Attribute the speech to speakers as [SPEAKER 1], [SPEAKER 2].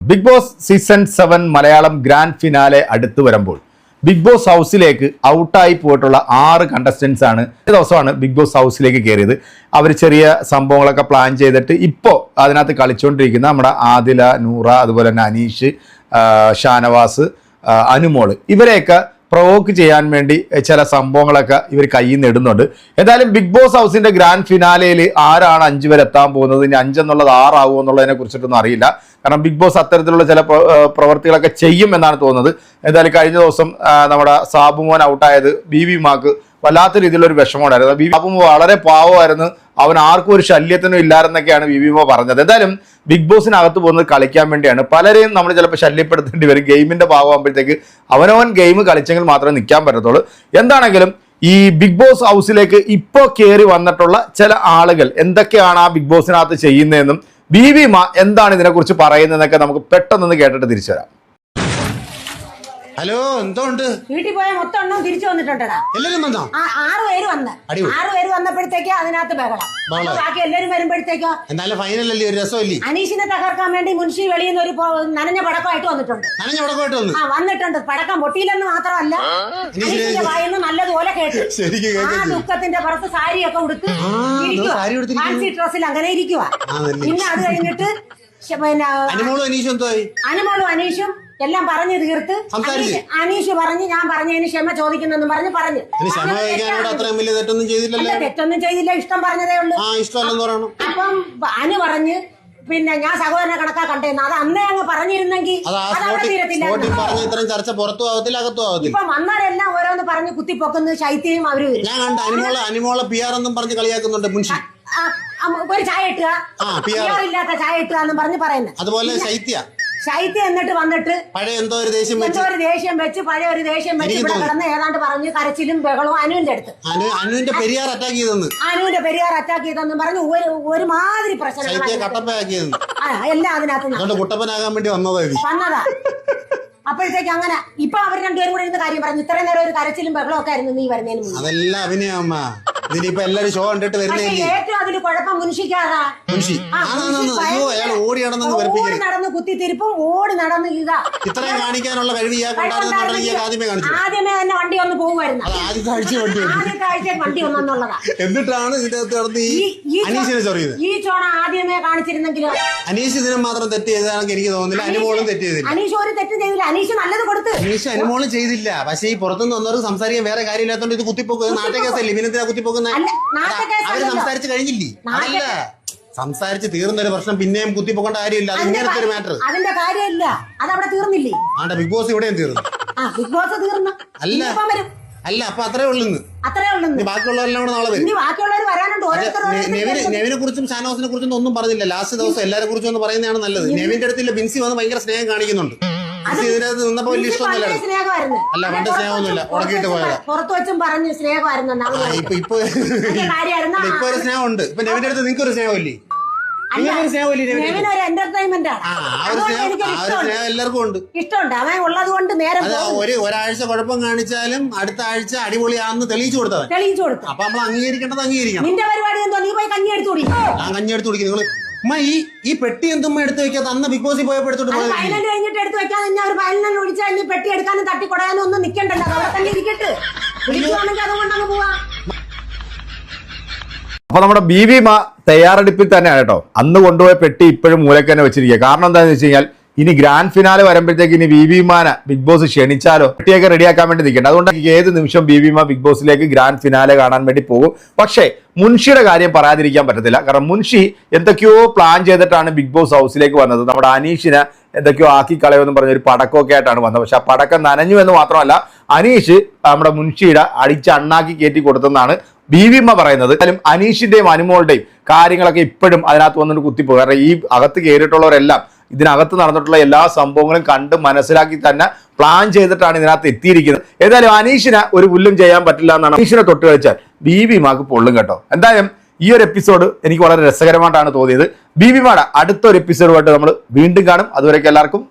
[SPEAKER 1] Big Boss season 7 Malayalam grand finale അടുത്തു വരുമ്പോൾ big boss ഹൗസിലേക്ക് ഔട്ടായി പോയിട്ടുള്ള 6 കണ്ടസ്റ്റൻസ് ആണ് ഈ ദിവസമാണ് ബിഗ് ബോസ് ഹൗസിലേക്ക് കയറിയത്. അവർ ചെറിയ സംഭവങ്ങളൊക്കെ പ്ലാൻ ചെയ്തിട്ട് ഇപ്പോൾ അതിനകത്ത് കളിച്ചുകൊണ്ടിരിക്കുന്ന നമ്മുടെ ആദില, നൂറ, അതുപോലെ തന്നെ അനീഷ്, ഷാനവാസ്, അനുമോള് ഇവരെയൊക്കെ പ്രൊവോക്ക് ചെയ്യാൻ വേണ്ടി ചില സംഭവങ്ങളൊക്കെ ഇവർ കയ്യിൽ നിന്ന് ഇടുന്നുണ്ട്. എന്തായാലും ബിഗ് ബോസ് ഹൗസിന്റെ ഗ്രാൻഡ് ഫിനാലയിൽ ആരാണ് 5 വരെ എത്താൻ പോകുന്നത്, ഇനി 5 എന്നുള്ളത് 6 ആകുമോ എന്നുള്ളതിനെ കുറിച്ചിട്ടൊന്നും അറിയില്ല. കാരണം ബിഗ് ബോസ് അത്തരത്തിലുള്ള ചില പ്രവർത്തികളൊക്കെ ചെയ്യും എന്നാണ് തോന്നുന്നത്. എന്തായാലും കഴിഞ്ഞ ദിവസം നമ്മുടെ സാബുമോൻ ഔട്ടായത് ബിബി മാക്ക് വല്ലാത്ത രീതിയിലുള്ള ഒരു വിഷമമുണ്ടായിരുന്നു. സാബുമോ വളരെ പാവമായിരുന്നു, അവൻ ആർക്കും ഒരു ശല്യത്തിനും ഇല്ലായിരുന്നൊക്കെയാണ് ബിബിമോ പറഞ്ഞത്. എന്തായാലും ബിഗ് ബോസിനകത്ത് പോകുന്നത് കളിക്കാൻ വേണ്ടിയാണ്. പലരെയും നമ്മൾ ചിലപ്പോൾ ശല്യപ്പെടുത്തേണ്ടി വരും. ഗെയിമിന്റെ ഭാഗമാകുമ്പോഴത്തേക്ക് അവനവൻ ഗെയിം കളിച്ചെങ്കിൽ മാത്രമേ നിൽക്കാൻ പറ്റത്തുള്ളൂ. എന്താണെങ്കിലും ഈ ബിഗ് ബോസ് ഹൗസിലേക്ക് ഇപ്പോൾ കയറി വന്നിട്ടുള്ള ചില ആളുകൾ എന്തൊക്കെയാണ് ആ ബിഗ് ബോസിനകത്ത് ചെയ്യുന്നതെന്നും ബിബിമ എന്താണ് ഇതിനെക്കുറിച്ച് പറയുന്നതെന്നൊക്കെ നമുക്ക് പെട്ടെന്ന് കേട്ടിട്ട് തിരിച്ചു വരാം.
[SPEAKER 2] ഹലോ, എന്തോണ്ട്?
[SPEAKER 3] വീട്ടിൽ പോയ മൊത്തം എണ്ണം തിരിച്ചു വന്നിട്ടുണ്ടടാ.
[SPEAKER 2] എല്ലാരും വന്നോ?
[SPEAKER 3] 6 പേര് വന്ന് 6 പേര് വന്നപ്പോഴത്തേക്ക് അതിനകത്ത് ബഹളം. ബാക്കി എല്ലാരും വരുമ്പോഴത്തേക്കോ
[SPEAKER 2] എന്നാലും ഫൈനലല്ലേ, ഒരു രസമല്ലേ?
[SPEAKER 3] അനീഷിനെ തകർക്കാൻ വേണ്ടി മുൻഷി വെളിയിൽ നിന്ന് ഒരു നനഞ്ഞ പടക്കമായിട്ട് വന്നിട്ടുണ്ട്. വന്നിട്ടുണ്ട്. പടക്കം പൊട്ടിയില്ലെന്ന് മാത്രമല്ല, അനീഷിന്റെ വായിന്ന് നല്ലതുപോലെ കേട്ടു. ആ ദുഃഖത്തിന്റെ പുറത്ത് സാരിയൊക്കെ ഉടുത്ത് ഫാൻസി ഡ്രസ്സിൽ അങ്ങനെ ഇരിക്കുക. പിന്നെ അത് കഴിഞ്ഞിട്ട് പിന്നെ അനുമോളും അനീഷും എല്ലാം പറഞ്ഞു തീർത്ത് അനീഷ് പറഞ്ഞ് ഞാൻ പറഞ്ഞതിന് ക്ഷമ ചോദിക്കുന്നെന്നും പറഞ്ഞു തെറ്റൊന്നും ചെയ്തില്ല, ഇഷ്ടം പറഞ്ഞതേ ഉള്ളൂ. അപ്പം അനു പറഞ്ഞ് പിന്നെ ഞാൻ സഹോദരനെ കണക്കാ കണ്ടേന്ന്. അത് അന്നേ അങ്ങ് പറഞ്ഞിരുന്നെങ്കിൽ ഇപ്പൊ വന്നാരെല്ലാം ഓരോന്ന് പറഞ്ഞ് കുത്തിപ്പൊക്കുന്നു. ശൈത്യയും അവര് ഒരു ചായ ഇട്ടുക, ഇല്ലാത്ത ചായ ഇട്ടുക എന്നും പറഞ്ഞ് പറയുന്നത്.
[SPEAKER 2] അതുപോലെ
[SPEAKER 3] ശൈത്യം എന്നിട്ട് വന്നിട്ട്
[SPEAKER 2] എന്തോ ഒരു ദേഷ്യം വെച്ച്
[SPEAKER 3] പഴയ ഒരു ദേഷ്യം വെച്ച് ഇവിടെ കിടന്ന് ഏതാണ്ട് പറഞ്ഞ് കരച്ചിലും ബഹളവും അനുവിന്റെ അടുത്ത്.
[SPEAKER 2] അനുവിന്റെ പെരിയാർ അറ്റാക്ക്
[SPEAKER 3] ചെയ്തെന്നും പറഞ്ഞ് ഒരുമാതിരി പ്രശ്നം എല്ലാം അതിനകത്ത് വന്നതാ. അപ്പോഴത്തേക്ക് അങ്ങനെ ഇപ്പൊ അവർ രണ്ടുപേരും കൂടെ ഇരുന്ന് കാര്യം പറഞ്ഞു. ഇത്രയും നേരം ഒരു കരച്ചിലും ബഹളവും ഒക്കെ ആയിരുന്നു നീ വരുന്നതിന് മുമ്പ്.
[SPEAKER 2] അതെല്ലാം അഭിനയമ്മ. ഇതിലിപ്പോ ഷോ കണ്ടിട്ട്
[SPEAKER 3] ഏറ്റവും അതിൽ കുഴപ്പം മുൻഷിക്കാതാ.
[SPEAKER 2] ഓടി
[SPEAKER 3] നടന്ന് കുത്തിത്തിരിപ്പും ഓടി നടന്ന് ഇതാ
[SPEAKER 2] ഇത്രയും കാണിക്കാനുള്ള കഴിവ്
[SPEAKER 3] ആദ്യമേ തന്നെ വണ്ടി ഒന്ന് പോകുമായിരുന്നു. ആദ്യത്തെ ആഴ്ച വണ്ടി ഒന്നെന്നുള്ളതാ.
[SPEAKER 2] എന്നിട്ടാണ്
[SPEAKER 3] ഈ ചോണ ആദ്യമേ കാണിച്ചിരുന്നെങ്കിലും
[SPEAKER 2] അനീഷ് ഇതിനും മാത്രം തെറ്റ് ചെയ്തതാണെങ്കിൽ എനിക്ക് തോന്നുന്നില്ല. അനുമോളും തെറ്റ് ചെയ്തില്ല.
[SPEAKER 3] അനീഷ് ഒരു തെറ്റും ചെയ്തില്ല. അനീഷ് നല്ലത് കൊടുത്ത്.
[SPEAKER 2] അനീഷ് അനുമോളും ചെയ്തില്ല. പക്ഷേ ഈ പുറത്തുനിന്ന് വന്നവർക്ക് സംസാരിക്കാൻ വേറെ കാര്യമില്ലാത്തോണ്ട് ഇത് കുത്തിപ്പോക്കുന്നത് നാട്ടകേസല്ലേ. ഇവനെന്തിനാ കുത്തിപ്പോക്കുന്നത്? അവര് സംസാരിച്ച് കഴിഞ്ഞില്ലേ? അതല്ല, സംസാരിച്ച് തീർന്നൊരു പ്രശ്നം പിന്നെയും കുത്തിപ്പോക്കേണ്ട കാര്യമില്ല. അത് ഇങ്ങനത്തെ ഒരു മാറ്റർ.
[SPEAKER 3] അതിന്റെ കാര്യമില്ല, അതവിടെ തീർന്നില്ലേ?
[SPEAKER 2] ആണ്ട ബിഗ് ബോസ് ഇവിടെയും തീർന്നു.
[SPEAKER 3] ബിഗ് ബോസ് തീർന്നു.
[SPEAKER 2] അല്ല അപ്പൊ അത്രേ ഉള്ളൂ. ബാക്കിയുള്ളവരെല്ലാം കൂടെ നാളെ വരും. നെവിനെ കുറിച്ചും ഷാനവാസിനെ കുറിച്ചും ഒന്നും പറഞ്ഞില്ല. ലാസ്റ്റ് ദിവസം എല്ലാരെ കുറിച്ചും ഒന്ന് പറയുന്നതാണ് നല്ലത്. നെവിന്റെ അടുത്തില്ല, ബിൻസി വന്ന് ഭയങ്കര സ്നേഹം കാണിക്കുന്നുണ്ട്. ഇതിനകത്ത് നിന്നപ്പോ വലിയ ഇഷ്ടമൊന്നുമില്ല. അല്ല, പണ്ട് സ്നേഹമൊന്നുമില്ല, ഉടക്കിയിട്ട് പോയതാ.
[SPEAKER 3] പുറത്തു വെച്ചും പറഞ്ഞു സ്നേഹമായിരുന്നു.
[SPEAKER 2] ഇപ്പൊ ഒരു സ്നേഹമുണ്ട്. ഇപ്പൊ നെവിന്റെ അടുത്ത് നിങ്ങൾക്ക് ഒരു സ്നേഹമില്ലേ? എല്ലാവർക്കും ഉണ്ട്.
[SPEAKER 3] ഇഷ്ടമുണ്ട്. അവൻ ഉള്ളത് കൊണ്ട് നേരം
[SPEAKER 2] ഒരാഴ്ച കുഴപ്പം കാണിച്ചാലും അടുത്ത ആഴ്ച അടിപൊളിയാണെന്ന് തെളിയിച്ചു കൊടുത്തു. അപ്പൊ നമ്മൾ അംഗീകരിക്കേണ്ടത് അംഗീകരിക്കണം.
[SPEAKER 3] നിന്റെ പരിപാടി എന്തോ? നീ പോയി കഞ്ഞി എടുത്തു കുടി.
[SPEAKER 2] ഞാൻ കഞ്ഞി എടുത്തു കുടിക്കും. നിങ്ങൾ ഈ പെട്ടി എന്തുമ്മ എടുത്ത് വെക്കാത്ത? അന്ന് ബിഗ് ബോസിൽ പോയപ്പോ എടുത്തോട്ട്
[SPEAKER 3] ഫൈനൽ കഴിഞ്ഞിട്ട് എടുത്ത് വെക്കാതെ ഒരു ഫൈനൽ വിളിച്ചാൽ നീ പെട്ടി എടുക്കാനും തട്ടിക്കൊടയാനും ഒന്നും നിൽക്കണ്ടല്ലോ. അവിടെ തന്നെ ഇരിക്കട്ട്. വിളിക്കുവാണെങ്കിൽ അതുകൊണ്ട് അങ്ങ് പോവാ.
[SPEAKER 1] അപ്പൊ നമ്മുടെ ബിബിമ തയ്യാറെടുപ്പിൽ തന്നെയാണ് കേട്ടോ. അന്ന് കൊണ്ടുപോയ പെട്ടി ഇപ്പോഴും മൂലക്ക് തന്നെ വെച്ചിരിക്കുക. കാരണം എന്താണെന്ന് വെച്ച് കഴിഞ്ഞാൽ ഇനി ഗ്രാൻഡ് ഫിനാലെ വരുമ്പോഴത്തേക്ക് ഇനി ബിബിമാനെ ബിഗ് ബോസ് ക്ഷണിച്ചാലോ പെട്ടിയൊക്കെ റെഡിയാക്കാൻ വേണ്ടി നിൽക്കേണ്ട. അതുകൊണ്ട് ഏത് നിമിഷം ബിബിമ ബിഗ് ബോസിലേക്ക് ഗ്രാൻഡ് ഫിനാലെ കാണാൻ വേണ്ടി പോകും. പക്ഷേ മുൻഷിയുടെ കാര്യം പറയാതിരിക്കാൻ പറ്റത്തില്ല. കാരണം മുൻഷി എന്തൊക്കെയോ പ്ലാൻ ചെയ്തിട്ടാണ് ബിഗ് ബോസ് ഹൗസിലേക്ക് വന്നത്. നമ്മുടെ അനീഷിനെ എന്തൊക്കെയോ ആക്കി കളയുമെന്ന് പറഞ്ഞ ഒരു പടക്കമൊക്കെ ആയിട്ടാണ് വന്നത്. പക്ഷെ ആ പടക്കം നനഞ്ഞു എന്ന് മാത്രമല്ല, അനീഷ് നമ്മുടെ മുൻഷിയുടെ അടിച്ച് അണ്ണാക്കി കയറ്റി കൊടുത്തെന്നാണ് ബിബിമ പറയുന്നത്. എന്നാലും അനീഷിന്റെയും അനുമോളുടെയും കാര്യങ്ങളൊക്കെ ഇപ്പോഴും അതിനകത്ത് വന്നിട്ട് കുത്തിപ്പോകും. കാരണം ഈ അകത്ത് കയറിയിട്ടുള്ളവരെല്ലാം ഇതിനകത്ത് നടന്നിട്ടുള്ള എല്ലാ സംഭവങ്ങളും കണ്ട് മനസ്സിലാക്കി തന്നെ പ്ലാൻ ചെയ്തിട്ടാണ് ഇതിനകത്ത് എത്തിയിരിക്കുന്നത്. ഏതായാലും അനീഷിനെ ഒരു പുല്ലും ചെയ്യാൻ പറ്റില്ല എന്നാണ്. അനീഷിനെ തൊട്ട് കളിച്ചാൽ ബിബിമാക്ക് പൊള്ളും കേട്ടോ. എന്തായാലും ഈ ഒരു എപ്പിസോഡ് എനിക്ക് വളരെ രസകരമായിട്ടാണ് തോന്നിയത്. ബിബിമയുടെ അടുത്തൊരു എപ്പിസോഡുമായിട്ട് നമ്മൾ വീണ്ടും കാണും. അതുവരേക്കും എല്ലാവർക്കും